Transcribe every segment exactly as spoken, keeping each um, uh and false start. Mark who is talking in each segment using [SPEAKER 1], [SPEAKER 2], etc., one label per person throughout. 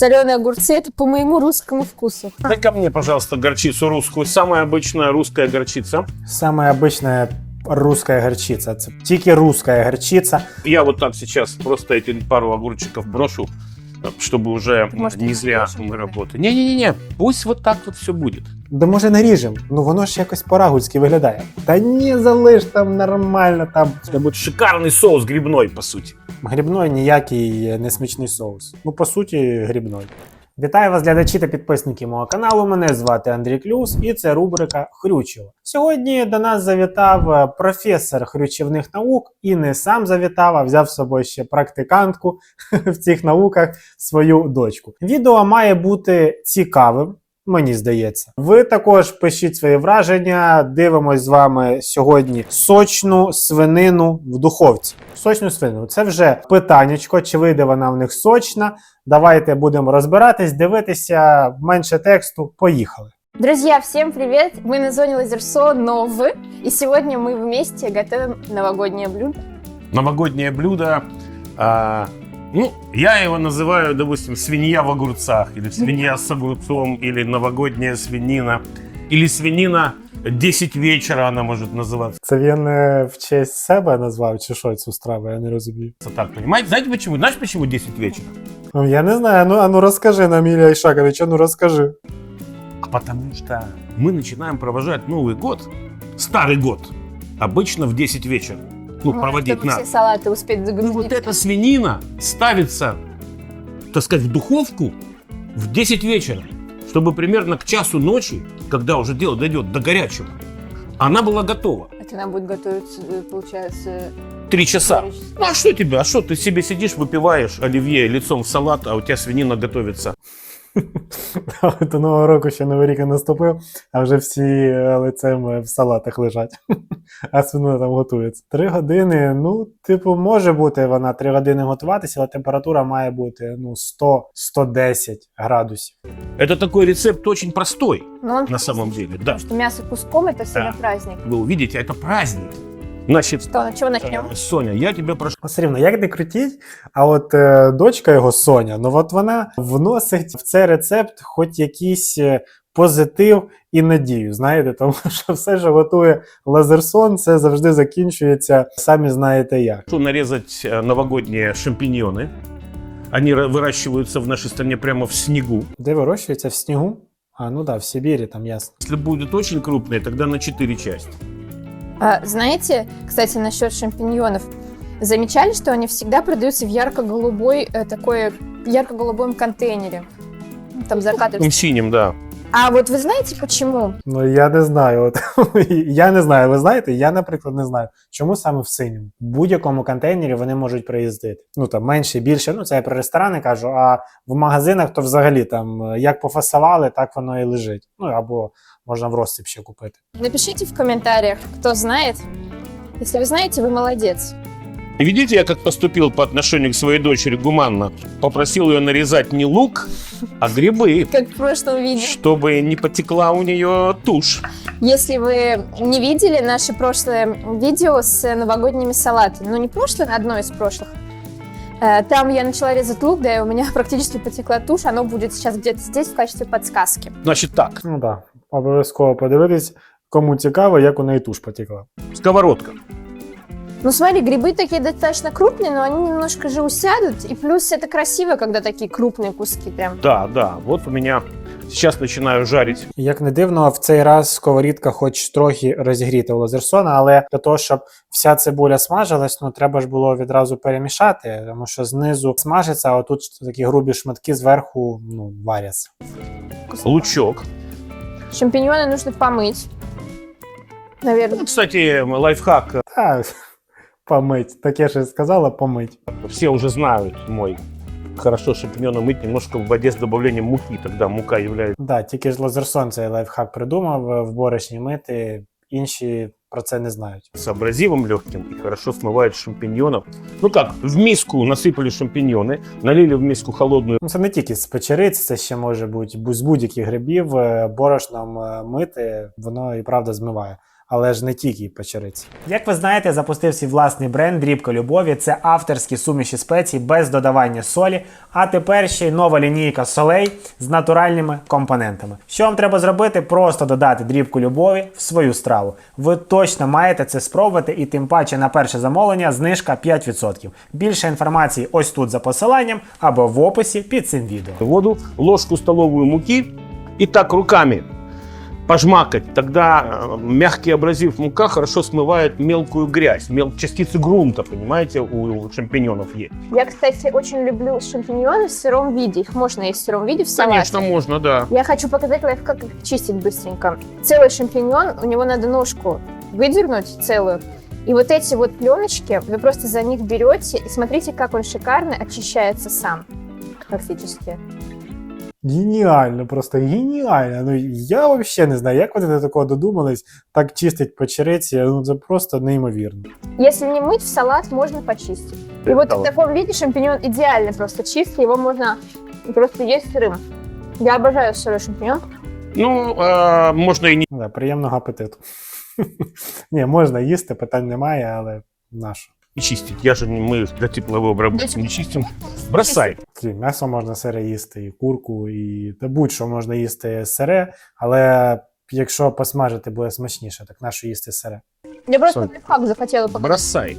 [SPEAKER 1] Соленые огурцы – это по моему русскому вкусу.
[SPEAKER 2] Дай ко мне, пожалуйста, горчицу русскую. Самая обычная русская горчица.
[SPEAKER 3] Самая обычная русская горчица. Це тільки русская горчица.
[SPEAKER 2] Я вот так сейчас просто эти пару огурчиков брошу, чтобы уже
[SPEAKER 1] Может,
[SPEAKER 2] не зря мы работаем. Не-не-не, пусть вот так вот все будет.
[SPEAKER 3] Да може наріжем? Ну воно ж якось по-рагульськи виглядає. Та ні, залиш там нормально там.
[SPEAKER 2] Это будет шикарный соус грибной, по сути.
[SPEAKER 3] Грибной ніякий не смачний соус. Ну, по суті, грибной. Вітаю вас, глядачі та підписники мого каналу. Мене звати Андрій Клюс і це рубрика Хрючево. Сьогодні до нас завітав професор хрючівних наук і не сам завітав, а взяв з собою ще практикантку в цих науках, свою дочку. Відео має бути цікавим. Мені здається. Ви також пишіть свої враження. Дивимось з вами сьогодні сочну свинину в духовці. Сочну свинину. Це вже питаннячко, чи вийде вона в них сочна. Давайте будемо розбиратись, дивитися, менше тексту. Поїхали.
[SPEAKER 1] Друзья, всем привет! Мы на зоне Лазерсон Нов, и сегодня мы вместе готовим новогоднее блюдо.
[SPEAKER 2] Новогоднее блюдо. А, ну, я его называю, допустим, свинья в огурцах, или свинья с огурцом, или новогодняя свинина, или свинина десять вечера она может называться.
[SPEAKER 3] Це він е, в честь себе назвав, чи що цю страву, я не розумію.
[SPEAKER 2] Так, понимаете? Знаете почему? Знаешь, почему десять вечера?
[SPEAKER 3] Ну, я не знаю, ну, а ну розкажи нам, Ілля Ішакович, а ну розкажи.
[SPEAKER 2] А потому что мы начинаем провожать Новый год, Старый год, обычно в десять вечера. Ну,
[SPEAKER 1] Ну,
[SPEAKER 2] проводить
[SPEAKER 1] чтобы
[SPEAKER 2] надо.
[SPEAKER 1] все салаты успеть
[SPEAKER 2] Ну,
[SPEAKER 1] загрузить.
[SPEAKER 2] вот эта свинина ставится, так сказать, в духовку в десять вечера, чтобы примерно к часу ночи, когда уже дело дойдет до горячего, она была готова.
[SPEAKER 1] Это она будет готовиться, э, получается...
[SPEAKER 2] Три часа.
[SPEAKER 1] Три часа.
[SPEAKER 2] Ну, а что тебе? А что ты себе сидишь, выпиваешь оливье лицом в салат, а у тебя свинина готовится?
[SPEAKER 3] До Нового року ще Новий рік не наступив, а вже всі е, лицем в салатах лежать. А свинина там готується. Три години, ну, типу, може бути вона три години готуватися, але температура має бути, ну, сто - сто десять градусів.
[SPEAKER 2] Это такой рецепт очень простой,
[SPEAKER 1] Но он
[SPEAKER 2] на самом деле, да.
[SPEAKER 1] Потому что мясо куском – это всегда
[SPEAKER 2] Да.
[SPEAKER 1] праздник.
[SPEAKER 2] Вы увидите, это праздник. Значит,
[SPEAKER 1] Что, на чего начнем?
[SPEAKER 2] э, Соня, я тебя прошу.
[SPEAKER 3] Все рівно, як не крутіть, а от е, дочка його, Соня, ну от вона вносить в цей рецепт хоч якийсь е, позитив і надію, знаєте, тому що все, що готує Лазерсон, це завжди закінчується, самі знаєте як.
[SPEAKER 2] Прошу нарезать э, новогодние шампиньоны. Они ра- выращиваются в нашей стране прямо в снегу.
[SPEAKER 3] Де вирощується? В снігу? А, ну да, в Сибірі, там ясно.
[SPEAKER 2] Если будут очень крупные, тогда на четыре части.
[SPEAKER 1] А, знаете, кстати, насчет шампиньонов. Замечали, что они всегда продаются в ярко-голубой, э, такой ярко-голубом контейнере? Там
[SPEAKER 2] В
[SPEAKER 1] закатывается.
[SPEAKER 2] синем, да.
[SPEAKER 1] А вот вы знаете почему?
[SPEAKER 3] Ну, я не знаю. От, я не знаю, ви знаєте, я, наприклад, не знаю, чому саме в синьому. В будь-якому контейнері вони можуть приїздити. Ну, там, менше, більше, ну, це я про ресторани кажу, а в магазинах то взагалі там, як пофасували, так воно і лежить. Ну, або можна в розсип ще купити.
[SPEAKER 1] Напишите в комментариях, кто знает. Если вы знаете, вы молодец.
[SPEAKER 2] И видите, я как поступил по отношению к своей дочери гуманно. Попросил ее нарезать не лук, а грибы,
[SPEAKER 1] Как в прошлом видео.
[SPEAKER 2] чтобы не потекла у нее тушь.
[SPEAKER 1] Если вы не видели наше прошлое видео с новогодними салатами, ну не прошлое, а одно из прошлых, э, там я начала резать лук, да, и у меня практически потекла тушь, оно будет сейчас где-то здесь в качестве подсказки.
[SPEAKER 2] Значит так,
[SPEAKER 3] Ну, так, да. Обов'язково подивитись, кому цікаво, як у неї туш потекла.
[SPEAKER 2] сковородка.
[SPEAKER 1] Ну смотри, грибы такие достаточно крупные, но они немножко же усядут, и плюс это красиво, когда такие крупные куски прям.
[SPEAKER 2] Да, да, вот у меня сейчас начинаю жарить.
[SPEAKER 3] Як не дивно, в цей раз сковорідка хоч трохи розігріта у Лазерсона, але для того, щоб вся цибуля смажилась, ну треба ж було відразу перемішати, тому що знизу смажиться, а отут такі грубі шматки зверху, ну, варяться.
[SPEAKER 2] Лучок.
[SPEAKER 1] Шампиньоны нужно помыть, наверное.
[SPEAKER 2] Ну, кстати, лайфхак.
[SPEAKER 3] Та, помить. Таке ж і сказала, помить.
[SPEAKER 2] Все уже знают мой. Хорошо шампиньоны мыть немножко в воде с добавлением муки. Тогда мука является...
[SPEAKER 3] Да, тільки ж Лазерсон цей лайфхак придумав, в борошні мити, інші про це не знають.
[SPEAKER 2] с абразивом легким и хорошо смывает шампиньонов. Ну как, в миску насыпали шампиньоны, налили в миску холодную.
[SPEAKER 3] Ну, це не тільки з печериць, це ще може бути з будь-яких грибів, е, борошном е, мити, воно і правда змиває. але ж не тільки печериці. Як ви знаєте, запустив свій власний бренд Дрібка Любові. Це авторські суміші спецій без додавання солі, а тепер ще й нова лінійка солей з натуральними компонентами. Що вам треба зробити? Просто додати Дрібку Любові в свою страву. Ви точно маєте це спробувати, і тим паче на перше замовлення знижка п'ять відсотків. Більше інформації ось тут за посиланням або в описі під цим відео.
[SPEAKER 2] Воду, ложку столовую муки и так руками пожмакать. Тогда э, мягкий абразив мука хорошо смывает мелкую грязь, мел... частицы грунта, понимаете, у шампиньонов есть.
[SPEAKER 1] Я, кстати, очень люблю шампиньоны в сыром виде. Их можно есть в сыром виде в салате.
[SPEAKER 2] Конечно, можно, да.
[SPEAKER 1] Я хочу показать лайфхак, как их чистить быстренько. Целый шампиньон, у него надо ножку выдернуть целую. И вот эти вот пленочки, вы просто за них берете и смотрите, как он шикарно очищается сам. Практически.
[SPEAKER 3] Геніально, просто геніально. Ну я взагалі не знаю, як вони до такого додумались, так чистить печериці, ну це просто неймовірно.
[SPEAKER 1] Если не мыть, в салат можно почистить. И вот в таком виде шампиньон идеально просто чистый, его можно просто есть сырым. Я обожаю сырой шампиньон.
[SPEAKER 2] Ну, э, можно и не...
[SPEAKER 3] Да, приємного апетиту. Ні, можна їсти, питань немає, але нащо?
[SPEAKER 2] чистить. Я же, не- мы для тепловой обработки не чистим. Бросай.
[SPEAKER 3] Ті, М'ясо можна сире їсти, і курку, і та будь-що можна їсти сире, але якщо посмажити, буде смачніше, так нащо їсти сире?
[SPEAKER 1] Я просто
[SPEAKER 2] Соль.
[SPEAKER 1] лайфхак захотела показать.
[SPEAKER 2] Бросай.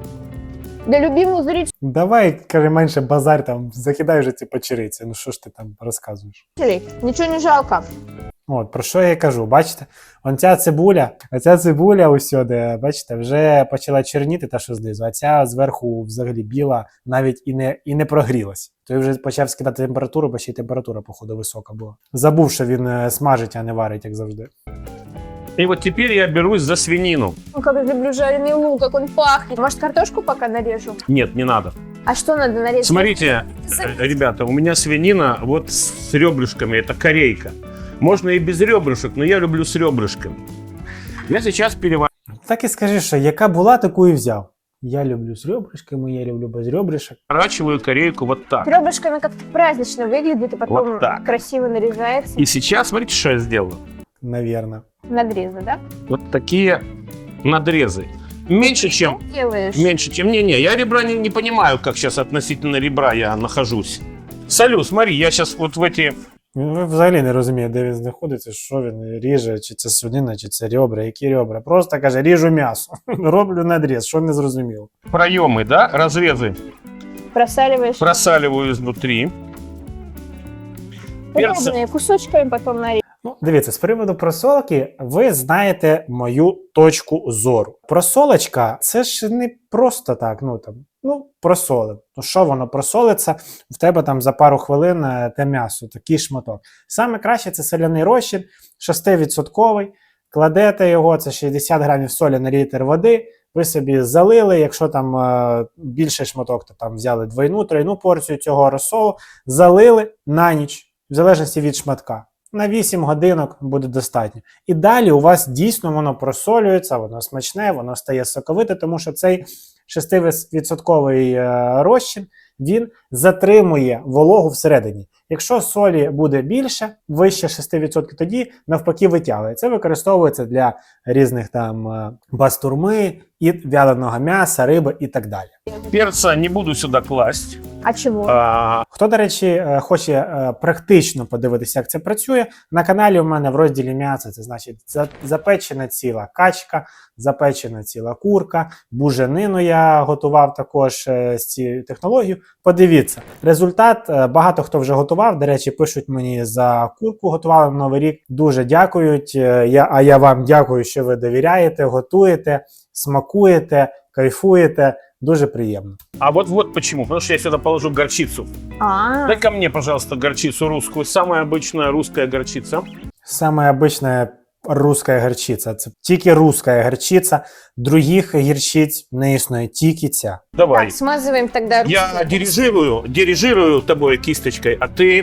[SPEAKER 1] Для любимых зрителей
[SPEAKER 3] Давай, каже, менше базар, там, закидай вже ці печериці, ну що ж ти там розказуєш?
[SPEAKER 1] ничего не жалко.
[SPEAKER 3] От, про що я й кажу, бачите? Он ця цибуля, оця цибуля усюди, бачите, вже почала чорніти, та що знизу, а ця зверху взагалі біла, навіть і не, і не прогрілась. Той вже почав скидати температуру, бо ще й температура, походу, висока була. Забув, що він е, смажить, а не варить, як завжди.
[SPEAKER 2] И вот теперь я берусь за свинину.
[SPEAKER 1] Ну, как я люблю жареный лук, как он пахнет. Может, картошку пока нарежу?
[SPEAKER 2] Нет, не надо.
[SPEAKER 1] А что надо нарезать?
[SPEAKER 2] Смотрите, э, ребята, у меня свинина вот с ребрышками, это корейка. Можно и без ребрышек, но я люблю с ребрышками. Я сейчас переворачиваю.
[SPEAKER 3] Так і скажи, що яка була, таку і взяв. Я люблю з ребрышками, я люблю без ребрышек.
[SPEAKER 2] Разворачиваю корейку вот так.
[SPEAKER 1] Ребрышками как-то празднично выглядит, и потом
[SPEAKER 2] Вот так.
[SPEAKER 1] красиво нарезается.
[SPEAKER 2] И сейчас, смотрите, что я сделаю.
[SPEAKER 3] Навірно.
[SPEAKER 1] Надрезы, да?
[SPEAKER 2] Вот такие надрезы. Меньше, чем...
[SPEAKER 1] Что делаешь?
[SPEAKER 2] Меньше, чем... Не-не, я ребра не, не понимаю, как сейчас относительно ребра я нахожусь. Салют, смотри, я сейчас вот в эти...
[SPEAKER 3] Він взагалі не розуміє, де він знаходиться, що він ріже, чи це свинина, чи це ребра, які ребра. Просто каже, ріжу м'ясо, роблю надріз, що не зрозуміло.
[SPEAKER 2] проемы, да, разрезы
[SPEAKER 1] Просаливаешь
[SPEAKER 2] просаливаю изнутри. Перца.
[SPEAKER 1] подробные кусочками, потом нарезаешь.
[SPEAKER 3] Ну, дивіться, з приводу просолки, ви знаєте мою точку зору. Просолочка – це ж не просто так, ну там, ну, просолив. Ну, що воно просолиться, в тебе там за пару хвилин е, те м'ясо, такий шматок. Саме краще – це соляний розчин, шестивідсотковий. Кладете його, це шістдесят грамів солі на літр води, ви собі залили, якщо там е, більший шматок, то там взяли двойну, тройну порцію цього розсолу, залили на ніч, в залежності від шматка. На вісім годинок буде достатньо. І далі у вас дійсно воно просолюється, воно смачне, воно стає соковите, тому що цей шестивідсотковий е, розчин, він затримує вологу всередині. Якщо солі буде більше, вище шість відсотків, тоді навпаки витягує. Це використовується для різних там е, бастурми, і вяленого м'яса, риби і так далі.
[SPEAKER 2] Перца не буду сюда класть.
[SPEAKER 1] А чего?
[SPEAKER 2] А,
[SPEAKER 3] Хто, до речі, е, хоче е, практично подивитися, як це працює, на каналі у мене в розділі м'ясо, це значить за- запечена ціла качка, запечена ціла курка, буженину я готував також е, з цією технологією. Подивіться, результат, е, багато хто вже готував, до речі, пишуть мені за курку, готували на Новий рік, дуже дякують, е, я, а я вам дякую, що ви довіряєте, готуєте, смакуєте, кайфуєте, дуже приємно.
[SPEAKER 2] а вот вот почему. Потому что я сюда положу горчицу.
[SPEAKER 1] А,
[SPEAKER 2] Дай ко мне, пожалуйста, горчицу русскую. Самая обычная русская горчица.
[SPEAKER 3] Саме обична руська гірчиця. Це тільки руська гірчиця, других гірчиць не існує, тільки ця.
[SPEAKER 2] Давай.
[SPEAKER 1] так, смазываем тогда.
[SPEAKER 2] Я дирижирую, дирижирую тобой кисточкой, а ты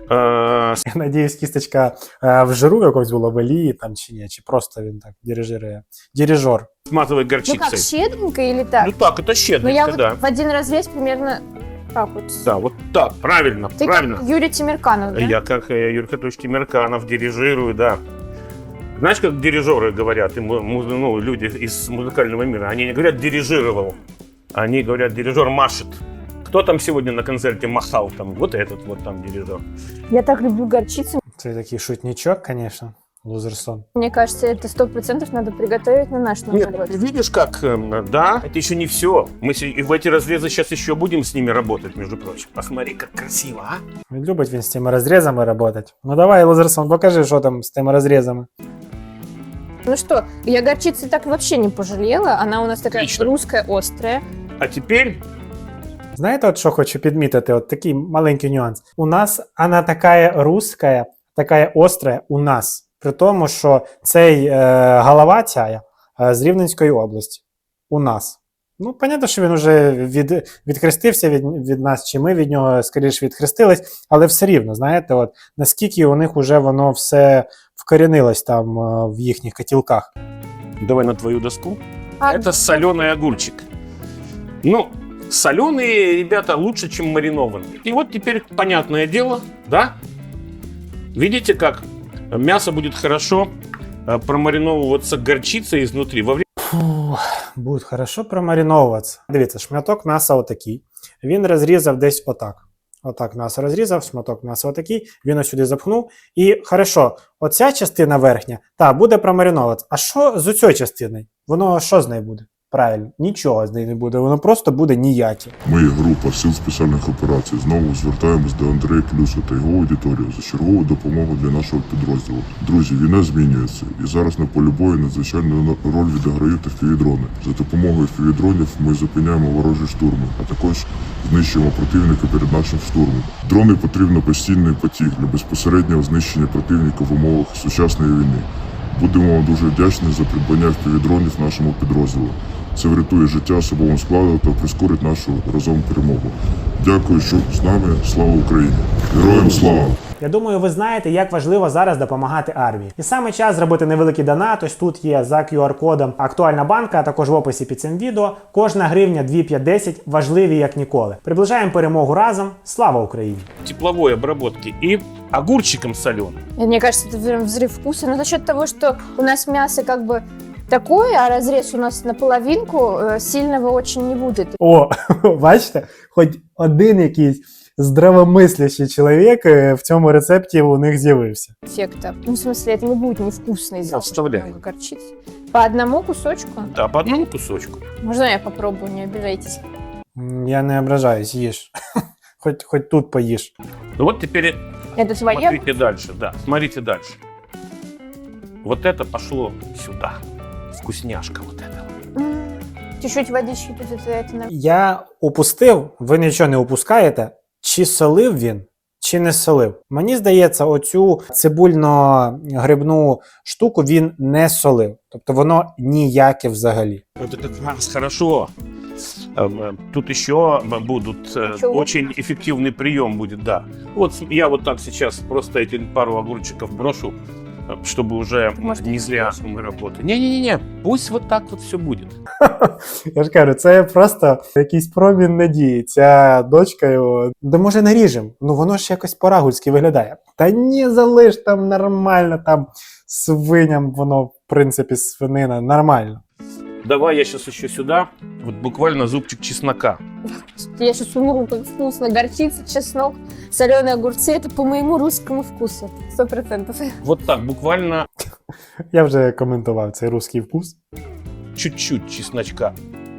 [SPEAKER 2] э,
[SPEAKER 3] Я надіюсь, кісточка е, в жиру якось була в олії там чи ні, чи просто він так дирижирує. Дирижер.
[SPEAKER 2] смазывай
[SPEAKER 1] Ну как,
[SPEAKER 2] горчицей.
[SPEAKER 1] щедренько или так?
[SPEAKER 2] Ну так, это
[SPEAKER 1] Ну
[SPEAKER 2] щедренько,
[SPEAKER 1] я вот
[SPEAKER 2] да.
[SPEAKER 1] в один разрез примерно так вот.
[SPEAKER 2] Да, вот так, правильно,
[SPEAKER 1] Ты
[SPEAKER 2] правильно.
[SPEAKER 1] как Юрий Тимирканов, да?
[SPEAKER 2] Я как э, Юрий Петрович Тимирканов дирижирую, да. Знаешь, как дирижеры говорят, и му- му- ну, люди из музыкального мира, они не говорят «дирижировал», они говорят «дирижер машет». Кто там сегодня на концерте махал? Там, вот этот вот там дирижер.
[SPEAKER 1] Я так люблю горчицу.
[SPEAKER 3] Це такий шутничок, конечно. Лузерсон.
[SPEAKER 1] Мне кажется, это сто процентов надо приготовить на наш Новый
[SPEAKER 2] Нет,
[SPEAKER 1] год.
[SPEAKER 2] ты видишь как, э, да, это еще не все. Мы се- и в эти разрезы сейчас еще будем с ними работать, между прочим. Посмотри, как красиво, а?
[SPEAKER 3] Любить він з цими розрізами працювати. Ну давай, Лузерсон, покажи, що там з тими розрізами.
[SPEAKER 1] Ну что, я горчицы так вообще не пожалела. Она у нас такая
[SPEAKER 2] Отлично.
[SPEAKER 1] русская, острая.
[SPEAKER 2] А теперь
[SPEAKER 3] Знаєте, от що хочу підмітити? От такий маленький нюанс. У нас вона така руська, така остра у нас. При тому, що цей е, голова ця е, з Рівненської області. У нас. Ну, понятно, що він вже від, відхрестився від, від нас, чи ми від нього, скоріше, відхрестились, але все рівно, знаєте, от наскільки у них вже воно все вкорінилось там е, в їхніх котілках.
[SPEAKER 2] давай на твою доску.
[SPEAKER 1] А,
[SPEAKER 2] Это соленый огурчик. Ну, соленые, ребята, лучше, чем маринованные. И вот теперь понятное дело, да? Видите, как мясо будет хорошо э, промариновываться горчицей изнутри. Во время
[SPEAKER 3] Фу, буде хорошо промариновуватися. Дивіться, шматок м'яса отакий. Він розрізав десь отак. Отак м'ясо розрізав, шматок м'яса отакий, він ось сюди запхнув. І хорошо, оця частина верхня, та, буде промариновуватися. А що з оцею частиною? Воно що з нею буде? Правильно, нічого з нею не буде, воно просто буде ніяке.
[SPEAKER 4] Ми, група Сил спеціальних операцій, знову звертаємось до Андрея Клюса та його аудиторії за чергову допомогу для нашого підрозділу. Друзі, війна змінюється, і зараз на полі бою надзвичайну роль відіграють ефівідрони. За допомогою ефівідронів ми зупиняємо ворожі штурми, а також знищуємо противника перед нашим штурмом. Дрони потрібно постійний потік для безпосереднього знищення противника в умовах сучасної війни. Будемо вам дуже вдячні за придбання впівдронів нашому підрозділу. Це врятує життя особовому складу та прискорить нашу разом перемогу. Дякую, що з нами. Слава Україні! Героям слава!
[SPEAKER 3] Я думаю, ви знаєте, як важливо зараз допомагати армії. І саме час зробити невеликий донат. Ось тут є за кю ар-кодом актуальна банка, а також в описі під цим відео. Кожна гривня дві п'ять десять важливі як ніколи. Приближаємо перемогу разом. Слава Україні!
[SPEAKER 2] тепловой обработки и огурчиком соленым.
[SPEAKER 1] Мне кажется, это прям взрыв вкуса. Но за счет того, что у нас мясо как бы такое, а разрез у нас наполовинку, э, сильного очень не будет.
[SPEAKER 3] О, бачите, хоч один якийсь здравомислящий чоловік е, в цьому рецепті у них з'явився.
[SPEAKER 1] Эффекта. Ну, в смысле, это не будет невкусно из-за того, что
[SPEAKER 2] Вставляй.
[SPEAKER 1] много горчицы. По одному кусочку?
[SPEAKER 2] Да, по одному кусочку.
[SPEAKER 1] Можно я попробую, не обижайтесь.
[SPEAKER 3] М, Я не ображаюсь, їж. Хоч, хоч тут поїж.
[SPEAKER 2] Ну вот теперь
[SPEAKER 1] Это твое?
[SPEAKER 2] смотрите дальше, да, смотрите дальше. Вот это пошло сюда. Вкусняшка вот эта.
[SPEAKER 1] М, Чуть-чуть водички тут это, это на-
[SPEAKER 3] Я упустив, ви нічого не упускаєте, чи солив він, чи не солив. Мені здається, оцю цибульно-грибну штуку він не солив. Тобто воно ніяке взагалі.
[SPEAKER 2] Это как раз хорошо. Эм, э, Тут еще будут э,
[SPEAKER 1] Ничего.
[SPEAKER 2] очень эффективный прием будет, да. Вот с- я вот так сейчас просто эти пару огурчиков брошу, э, чтобы уже
[SPEAKER 1] Может,
[SPEAKER 2] не
[SPEAKER 1] не
[SPEAKER 2] зря
[SPEAKER 1] брошу.
[SPEAKER 2] мы работаем. Не-не-не, пусть вот так вот все будет.
[SPEAKER 3] Я ж кажу, це просто якийсь промін надії. Ця дочка його. Да може наріжем? Ну воно ж якось по-рагульськи виглядає. Та ні, залиш там нормально, там свиням воно, в принципі, свинина, нормально.
[SPEAKER 2] Давай я сейчас еще сюда, вот буквально зубчик чеснока.
[SPEAKER 1] Я сейчас умру, как вкусно. Горчица, чеснок, соленые огурцы. Это по моему русскому вкусу. Сто процентов.
[SPEAKER 2] Вот так, буквально
[SPEAKER 3] Я вже коментував цей русський вкус.
[SPEAKER 2] чуть-чуть чесночка.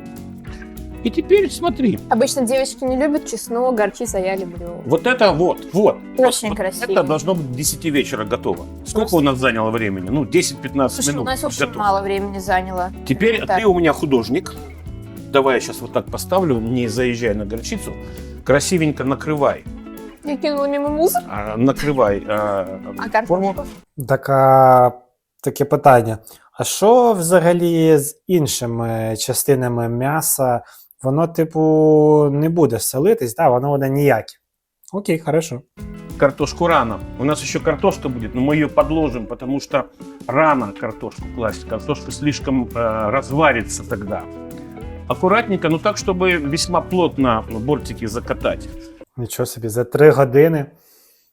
[SPEAKER 2] И теперь смотри,
[SPEAKER 1] Обычно девочки не любят чеснок, горчицу, а я люблю.
[SPEAKER 2] вот это вот, вот.
[SPEAKER 1] Очень
[SPEAKER 2] вот
[SPEAKER 1] красиво.
[SPEAKER 2] Это должно быть к десяти вечера готово. Сколько
[SPEAKER 1] Просто-
[SPEAKER 2] у нас заняло времени? Ну, десять-пятнадцать
[SPEAKER 1] Слушай,
[SPEAKER 2] минут.
[SPEAKER 1] у нас очень
[SPEAKER 2] готово.
[SPEAKER 1] мало времени заняло.
[SPEAKER 2] Теперь
[SPEAKER 1] Так.
[SPEAKER 2] ты у меня художник. Давай я сейчас вот так поставлю, не заезжай на горчицу. Красивенько накрывай.
[SPEAKER 1] Я кинула мимо мусор.
[SPEAKER 2] А, накрывай а,
[SPEAKER 1] А
[SPEAKER 2] форму.
[SPEAKER 1] картошку?
[SPEAKER 3] Така, таке питання. А що взагалі з іншими частинами м'яса? Воно, типу, не буде солитись, да? Воно буде ніяке. Окей, хорошо.
[SPEAKER 2] Картошку рано. У нас еще картошка будет, но мы ее подложим, потому что рано картошку класть. Картошка слишком э, разварится тогда. Аккуратненько, ну так, чтобы весьма плотно бортики закатать.
[SPEAKER 3] Нічого собі, за три години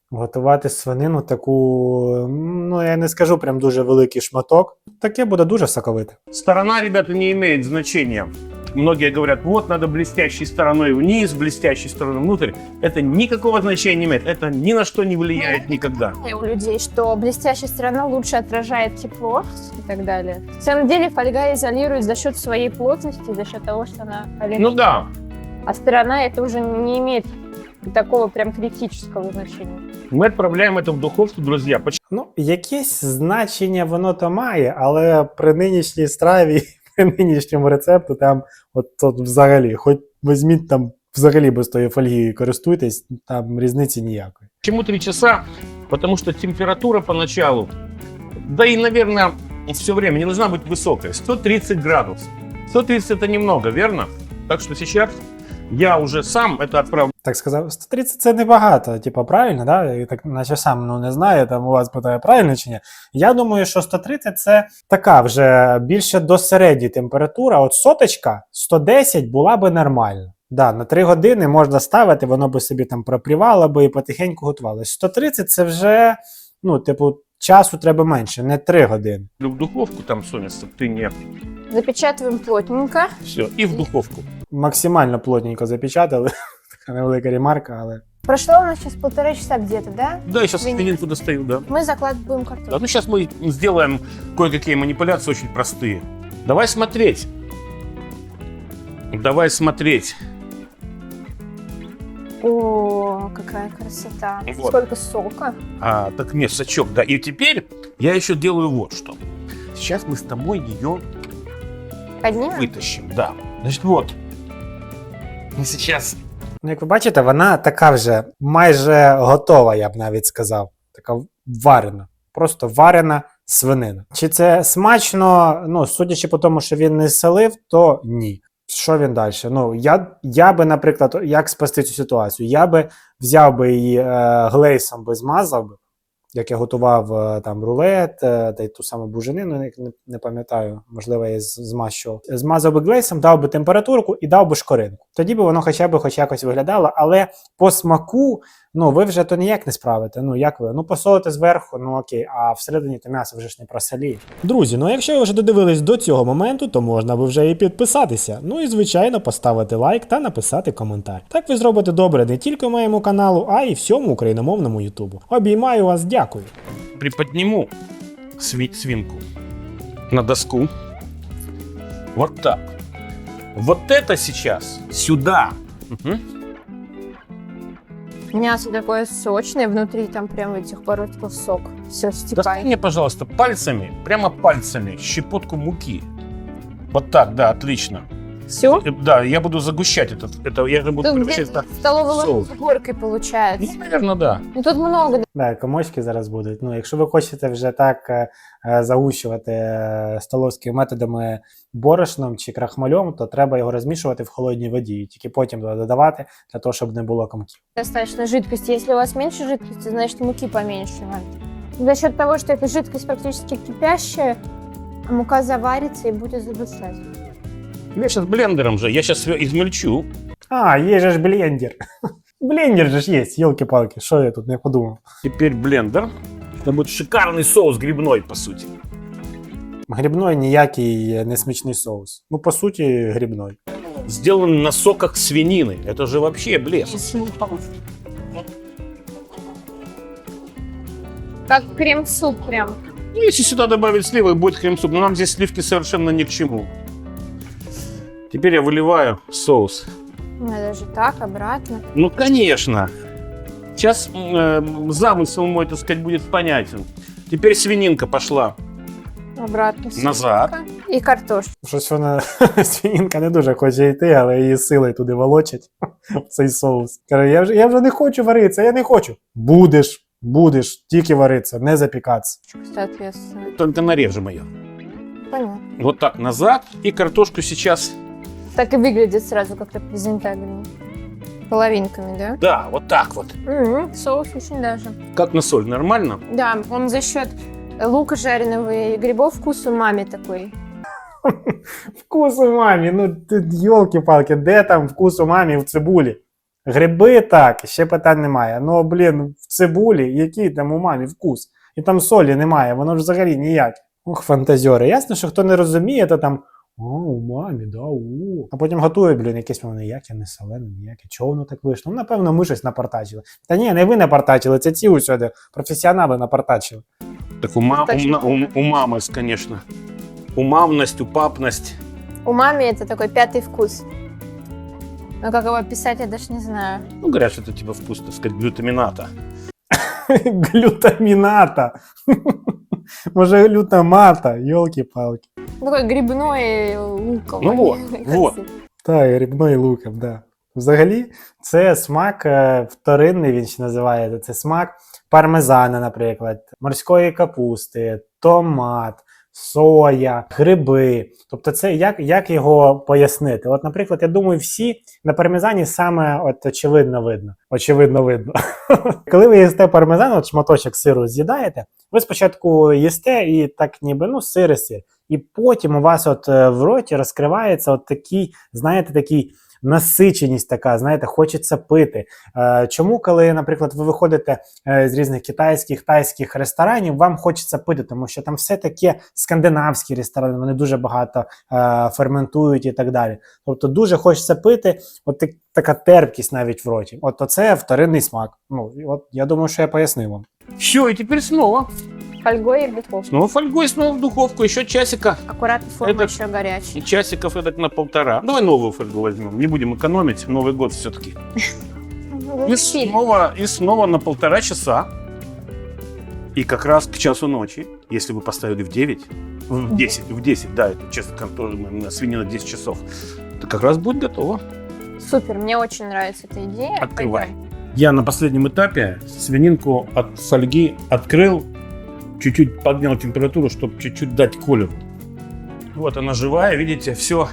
[SPEAKER 3] Готувати свинину таку, ну я не скажу прям дуже великий шматок. Таке буде дуже соковите.
[SPEAKER 2] Сторона, ребята, не имеет значения. Многие говорят, вот надо блестящей стороной вниз, блестящей стороной внутрь. Это никакого значения не имеет. Это ни на что не влияет никогда.
[SPEAKER 1] У людей, что блестящая сторона лучше отражает тепло и так далее. На самом деле фольга изолирует за счет своей плотности, за счет того, что она поверхностная.
[SPEAKER 2] Ну да.
[SPEAKER 1] А сторона это уже не имеет такого прям критического значения.
[SPEAKER 2] Мы отправляем это в духовку, друзья. Почему?
[SPEAKER 3] Ну, якесь значення воно то має, але при нинішній страві, при нинішньому рецепту, там, от, от взагалі, хоч візьміть там взагалі без тої фольги користуйтесь, там різниці ніякої.
[SPEAKER 2] Почему три часа? Потому что температура поначалу, да и, наверное, все время не должна быть высокой. сто тридцать градусов. сто тридцать это немного, верно? Так что сейчас я уже сам это отправлю.
[SPEAKER 3] Так сказав, сто тридцять це небагато, типа правильно, да? Я так наче сам ну, не знаю, там у вас питає правильно чи ні. Я думаю, що сто тридцять це така вже більше до середньої температура. От соточка сто десять була би нормально. Да, на три години можна ставити, воно би собі там пропрівало би і потихеньку готувалося. сто тридцять це вже, ну, типу, часу треба менше, не три години.
[SPEAKER 2] В духовку там, Соня, чтобы ты не...
[SPEAKER 1] Запечатываем плотненько.
[SPEAKER 2] Все, и в духовку.
[SPEAKER 3] Максимально плотненько запечатали. Така невелика ремарка, але...
[SPEAKER 1] Прошло у нас сейчас полтора часа где-то, да?
[SPEAKER 2] Да, я сейчас
[SPEAKER 1] Свинину.
[SPEAKER 2] свининку достаю, да.
[SPEAKER 1] Мы закладываем
[SPEAKER 2] Да,
[SPEAKER 1] картошку.
[SPEAKER 2] ну сейчас мы сделаем кое-какие манипуляции очень простые. Давай смотреть. Давай смотреть.
[SPEAKER 1] О, какая красота.
[SPEAKER 2] Вот.
[SPEAKER 1] Сколько сока.
[SPEAKER 2] А, так нет, сачок, да. И теперь я еще делаю вот что. Сейчас мы с тобой ее
[SPEAKER 1] Поднимем?
[SPEAKER 2] вытащим, да. Значит, вот. Мы сейчас...
[SPEAKER 3] Ну, як ви бачите, вона така вже майже готова, я б навіть сказав. Така варена. Просто варена свинина. Чи це смачно? Ну, судячи по тому, що він не солив, то ні. Що він далі? Ну, я, я би, наприклад, як спасти цю ситуацію? Я би взяв би її е, глейсом, би змазав би, як я готував е, там рулет, е, та й ту саму буженину, не, не пам'ятаю, можливо, я з- змащував. Змазав би глейсом, дав би температурку і дав би шкоринку. Тоді би воно хоча б хоч якось виглядало, але по смаку, ну, ви вже то ніяк не справите. Ну, як ви? Ну, посолите зверху, ну окей, а всередині то м'ясо вже ж не просоліє.
[SPEAKER 5] Друзі, ну якщо ви вже додивились до цього моменту, то можна би вже і підписатися. Ну і звичайно поставити лайк та написати коментар. Так ви зробите добре не тільки моєму каналу, а й всьому україномовному ютубу. Обіймаю вас, дякую.
[SPEAKER 2] Приподниму сви- свинку на доску. Вот так. Вот это сейчас сюда. Мгм.
[SPEAKER 1] Мясо такое сочное, внутри там прям этих боротков сок. Все,
[SPEAKER 2] Достань
[SPEAKER 1] стекает.
[SPEAKER 2] мне, пожалуйста, пальцами, прямо пальцами, щепотку муки. Вот так, да, отлично.
[SPEAKER 1] Все?
[SPEAKER 2] Э, Да, я буду загущать этот, это, я же буду
[SPEAKER 1] Тут
[SPEAKER 2] превращать
[SPEAKER 1] где-то
[SPEAKER 2] это-
[SPEAKER 1] столовой ложкой
[SPEAKER 2] соус.
[SPEAKER 1] с горкой получается.
[SPEAKER 2] Ну, наверное, да.
[SPEAKER 1] Ну тут много.
[SPEAKER 3] Да, комочки зараз будуть. Ну, якщо ви хочете вже так е, е, загущувати е, столовськими методами борошном чи крахмальом, то треба його розмішувати в холодній воді і тільки потім туди додавати, для того, щоб не було комків.
[SPEAKER 1] Достаточно жидкости. Если у вас меньше жидкости, значит муки поменьше надо. За счет того, что эта жидкость практически кипящая, мука заварится и будет задушать.
[SPEAKER 2] Я сейчас блендером же, я сейчас измельчу.
[SPEAKER 3] А, є же ж блендер. Блендер же ж є, йолки-палки, що я тут не подумав.
[SPEAKER 2] Теперь блендер. Это будет шикарный соус грибной, по сути.
[SPEAKER 3] Грибной ніякий не смачний соус. Ну, по суті, грибной.
[SPEAKER 2] Сделан на соках свинины. Это же вообще блеск.
[SPEAKER 1] Как крем-суп прям.
[SPEAKER 2] Ну, если сюда добавить сливы, будет крем-суп. Но нам здесь сливки совершенно ни к чему. Теперь я выливаю соус.
[SPEAKER 1] Надо же так, обратно.
[SPEAKER 2] Ну, конечно. Сейчас э, замысел мой, так сказать, будет понятен. Теперь свининка пошла
[SPEAKER 1] Обратно.
[SPEAKER 2] назад.
[SPEAKER 1] И картошка.
[SPEAKER 3] Щось вона свинінка не дуже хоче йти, але її силою туди волочать в цей соус. Каже, я вже, я вже не хочу варитися, я не хочу. Будеш, будеш, тільки варитися, не запікатися.
[SPEAKER 1] Соответственно.
[SPEAKER 2] Только нарежем ее.
[SPEAKER 1] Понятно.
[SPEAKER 2] Вот так назад. И картошку сейчас...
[SPEAKER 1] Так и выглядит сразу как-то презентабельно. Половинками, да?
[SPEAKER 2] Да, вот так вот.
[SPEAKER 1] М, соус очень даже.
[SPEAKER 2] Как на соль, нормально?
[SPEAKER 1] Да, он за счет лука жареного и грибов вкус умами такой.
[SPEAKER 3] Вкус у мамі, ну ти йолки-палки, де там вкус у мамі в цибулі? Гриби так, ще питань немає. Ну, блін, в цибулі, який там у мамі вкус? І там солі немає, воно ж взагалі ніяк. Ух, фантазьори. Ясно, що хто не розуміє, то там о, у мамі, да, у. А потім готує, блін, якесь воно ніяке, не солене, ніяке. Чого воно так вийшло? Ну, напевно, ми щось напартачили. Та ні, не ви напартачили, це ці усюди професіонали напартачили.
[SPEAKER 2] Так у, ма-
[SPEAKER 1] Точно.
[SPEAKER 2] у, у, у мамы, конечно. Умамность, упапность.
[SPEAKER 1] У мамы это такой пятый вкус. Но как его описать, я даже не знаю.
[SPEAKER 2] Ну, говорят, что это типа вкус, так сказать, глютамината.
[SPEAKER 3] Глютаміната. Може, глютамата, йолки-палки.
[SPEAKER 1] Такой грибной луковый.
[SPEAKER 2] Ну вот, вот.
[SPEAKER 3] Так, грибний луком, да. Взагалі, це смак е, вторинний, він ще називається. Це смак пармезана, наприклад, морської капусти, томат, соя, гриби. Тобто це як, як його пояснити? От, наприклад, я думаю, всі на пармезані саме от очевидно видно. Очевидно видно. Коли ви їсте пармезан, от шматочок сиру з'їдаєте, ви спочатку їсте і так ніби, ну, сир і сир. І потім у вас от е, в роті розкривається от такий, знаєте, такий насиченість така, знаєте, хочеться пити. Е, чому, коли, наприклад, ви виходите е, з різних китайських, тайських ресторанів, вам хочеться пити, тому що там все таке скандинавські ресторани, вони дуже багато е, ферментують і так далі. Тобто дуже хочеться пити, от так, така терпкість навіть в роті. От оце вторинний смак. Ну, і от я думаю, що я пояснив вам.
[SPEAKER 2] Все, и теперь снова.
[SPEAKER 1] Фольгой и в духовку.
[SPEAKER 2] Снова фольгой, снова в духовку. Еще часика.
[SPEAKER 1] Аккуратно, форма
[SPEAKER 2] Это-
[SPEAKER 1] еще горячая.
[SPEAKER 2] И часиков эдак на полтора. Давай новую фольгу возьмем. Не будем экономить. Новый год все-таки.
[SPEAKER 1] Вы
[SPEAKER 2] И
[SPEAKER 1] купили.
[SPEAKER 2] снова, и снова на полтора часа. И как раз к часу ночи, если вы поставили в девять, в десять, в десять, да, это честно, контор- на свинина десять часов, то как раз будет готово.
[SPEAKER 1] Супер, мне очень нравится эта идея.
[SPEAKER 2] Открывай.
[SPEAKER 1] Пойдем.
[SPEAKER 2] Я на последнем этапе свининку от фольги открыл, чуть-чуть поднял температуру, чтобы чуть-чуть дать колер. Вот она живая, видите, все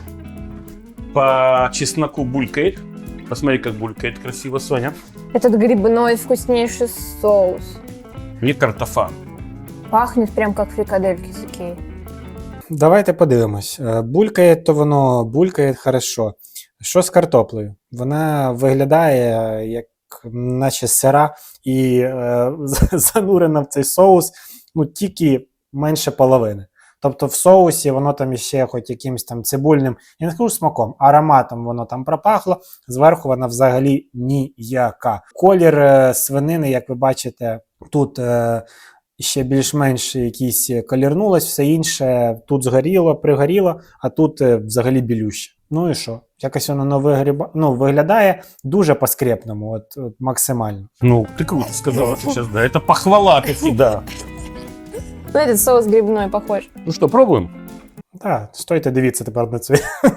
[SPEAKER 2] по чесноку булькает. Посмотри, как булькает красиво, Соня.
[SPEAKER 1] Этот грибной вкуснейший соус.
[SPEAKER 2] Не картофан.
[SPEAKER 1] Пахнет прям как фрикадельки с Икеи.
[SPEAKER 3] Давайте подивимось. Е, Булькає, то воно булькає хорошо. Що з картоплею? Вона виглядає як наче сира і е, занурена в цей соус, ну, тільки менше половини. Тобто в соусі воно там іще хоч якимось там цибульним, я не скажу смаком, ароматом воно там пропахло, зверху вона взагалі ніяка. Колір е, свинини, як ви бачите, тут е, ще більш-менш якийсь колірнулось, все інше тут згоріло, пригоріло, а тут е, взагалі білюще. Ну і що? Якось воно на вигріба... ну, виглядає дуже по-скрепному, от, от максимально.
[SPEAKER 2] Ну, ты круто сказала сейчас, да. Это похвала таки, да.
[SPEAKER 1] Ну, этот соус грибной похож.
[SPEAKER 2] Ну что, пробуем?
[SPEAKER 3] Так, стойте, дивіться тепер на цей,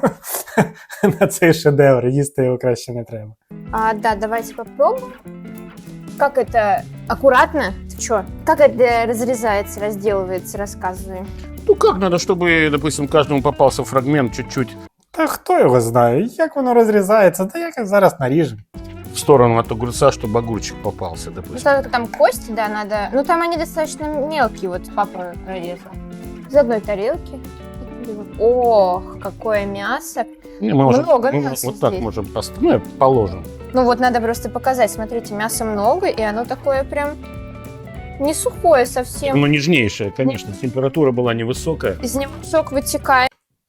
[SPEAKER 3] на цей шедевр, їсти його краще не треба.
[SPEAKER 1] А, да, давайте попробуем. Как это аккуратно? Ты чё? Как это разрезается, разделывается, рассказывай.
[SPEAKER 2] Ну как надо, чтобы, допустим, каждому попался фрагмент чуть-чуть
[SPEAKER 3] Та хто його знає, як воно розрізається, та як зараз наріжемо.
[SPEAKER 2] в сторону от огурца, чтобы огурчик попался,
[SPEAKER 1] Ну,
[SPEAKER 2] допустим.
[SPEAKER 1] только там кости, да, надо... Ну, там они достаточно мелкие, вот папа резал. Из одной тарелки. Ох, какое мясо.
[SPEAKER 2] Не, мы можем-
[SPEAKER 1] Много
[SPEAKER 2] мы
[SPEAKER 1] мяса
[SPEAKER 2] вот так
[SPEAKER 1] здесь.
[SPEAKER 2] можем поставить. Ну, положим.
[SPEAKER 1] Ну, вот надо просто показать. Смотрите, мяса много, и оно такое прям не сухое совсем.
[SPEAKER 2] Ну, нежнейшее, конечно. Температура была невысокая.
[SPEAKER 1] Из него сок вытекает.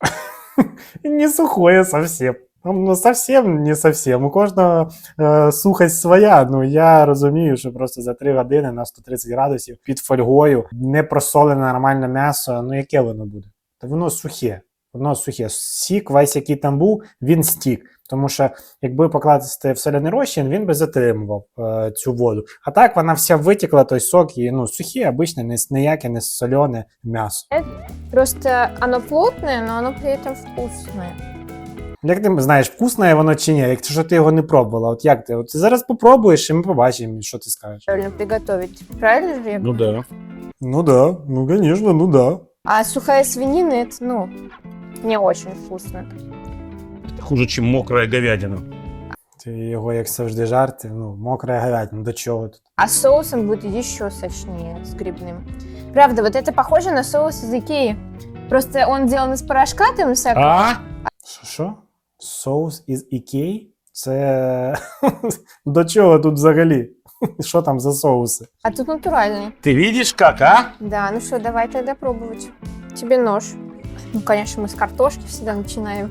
[SPEAKER 3] Не сухое совсем. Ну, совсем не совсем. У кожного е, сухость своя. Ну, я розумію, що просто за три години на сто тридцять градусів під фольгою не просолене нормальне м'ясо, ну яке воно буде? Та воно сухе. Воно сухе. Сік весь, який там був, він стік. Тому що, якби покласти в соляний розчин, він би затримував е, цю воду. А так вона вся витекла, той сок, і ну, сухе, обичне, не, ніяке, не солене м'ясо.
[SPEAKER 1] Просто оно плотное, но оно при этом вкусное.
[SPEAKER 3] Як ти знаєш, вкусне воно чи ні, якщо ти його не пробувала, от як ти? От ти зараз попробуєш, і ми побачимо, що ти скажеш.
[SPEAKER 1] Правильно приготовить. Правильно же я
[SPEAKER 2] Ну
[SPEAKER 1] говорю?
[SPEAKER 2] да.
[SPEAKER 3] Ну да, ну конечно, ну да.
[SPEAKER 1] А сухая свинина, это, ну, не очень вкусно.
[SPEAKER 2] Это хуже, чем мокрая говядина.
[SPEAKER 3] Ти його, як завжди, жарти, ну, мокра говядина, до чого тут?
[SPEAKER 1] А соусом будет еще сочнее, с грибным. Правда, вот это похоже на соус из Икеи. Просто он сделан из порошка там всякого.
[SPEAKER 2] А?
[SPEAKER 3] Що, що? Соус із Ікеї? Це до чого тут взагалі? Що там за соуси?
[SPEAKER 1] А тут натуральный.
[SPEAKER 2] Ты видишь как, а?
[SPEAKER 1] Да, ну что, давай тогда пробовать. Тебе нож. Ну, конечно, мы с картошки всегда начинаем.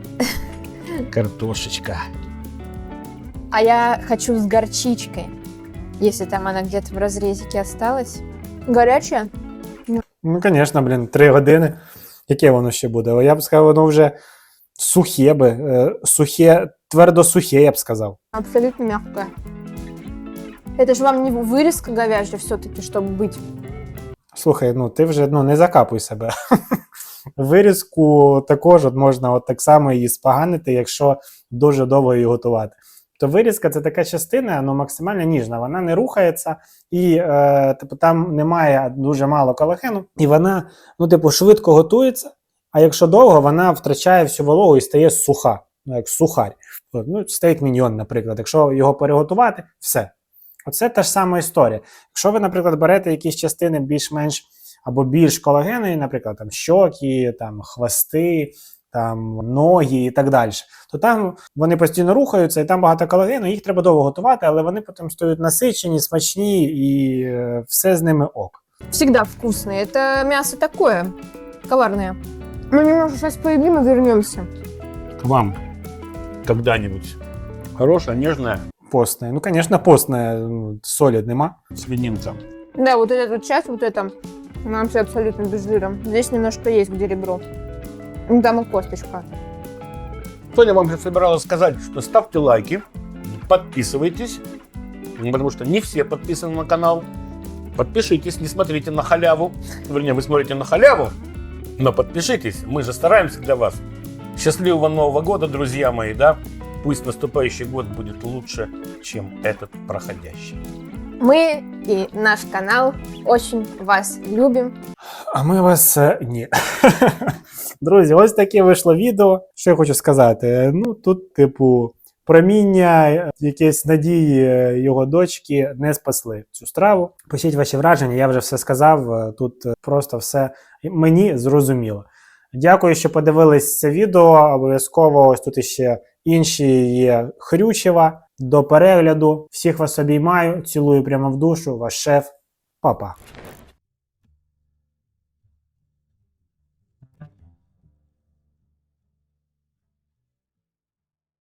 [SPEAKER 2] Картошечка.
[SPEAKER 1] А я хочу с горчичкой. Если там она где-то в разрезике осталась. Горячая?
[SPEAKER 3] Ну, звісно, блін, три години. Яке воно ще буде? Я б сказав, воно вже сухе би. е, Сухе, твердо сухе, я б сказав.
[SPEAKER 1] Абсолютно мягкая. Это же вам не вырезка говяжья все-таки, чтобы быть.
[SPEAKER 3] Слухай, ну ти вже ну, не закапуй себе. Вирізку також от можна от так само її споганити, якщо дуже довго її готувати. То вирізка це така частина, ну, максимально ніжна, вона не рухається, і е, типу, там немає дуже мало колагену, і вона, ну, типу, швидко готується, а якщо довго, вона втрачає всю вологу і стає суха, ну, як сухарь. Ну, стейк міньйон, наприклад, якщо його переготувати, все. Оце та ж сама історія. Якщо ви, наприклад, берете якісь частини більш-менш або більш колагенної, наприклад, там щоки, там хвости, там ноги і так далі, то там вони постійно рухаються, і там багато колагену, їх треба довго готувати, але вони потім стають насичені, смачні, і е, все з ними ок.
[SPEAKER 1] Всегда вкусные. Это мясо такое, коварное. Мы немножко сейчас поедим и вернемся.
[SPEAKER 2] К вам когда-нибудь. Хорошая, нежная
[SPEAKER 3] Постне. Ну, звісно, постне, ну, солі нема.
[SPEAKER 2] свининка.
[SPEAKER 1] Да, вот эта вот часть, вот это, она вообще абсолютно без жира. Здесь немножко есть, где ребро. Ну, там и косточка.
[SPEAKER 2] Соня вам же собиралась сказать, что ставьте лайки, подписывайтесь, потому что не все подписаны на канал. Подпишитесь, не смотрите на халяву. Вернее, вы смотрите на халяву, но подпишитесь, мы же стараемся для вас. Счастливого Нового года, друзья мои, да? Пусть наступающий год будет лучше, чем этот проходящий.
[SPEAKER 1] Мы и наш канал очень вас любим.
[SPEAKER 3] А ми вас е, ні. Друзі, ось таке вийшло відео. Що я хочу сказати? Ну, тут, типу, проміння, е, якісь надії е, його дочки не спасли цю страву. Пишіть ваші враження, я вже все сказав. е, Тут е, просто все мені зрозуміло. Дякую, що подивились це відео. Обов'язково ось тут ще інші є Хрючева. До перегляду. Всіх вас обіймаю, цілую прямо в душу. Ваш шеф. Па-па.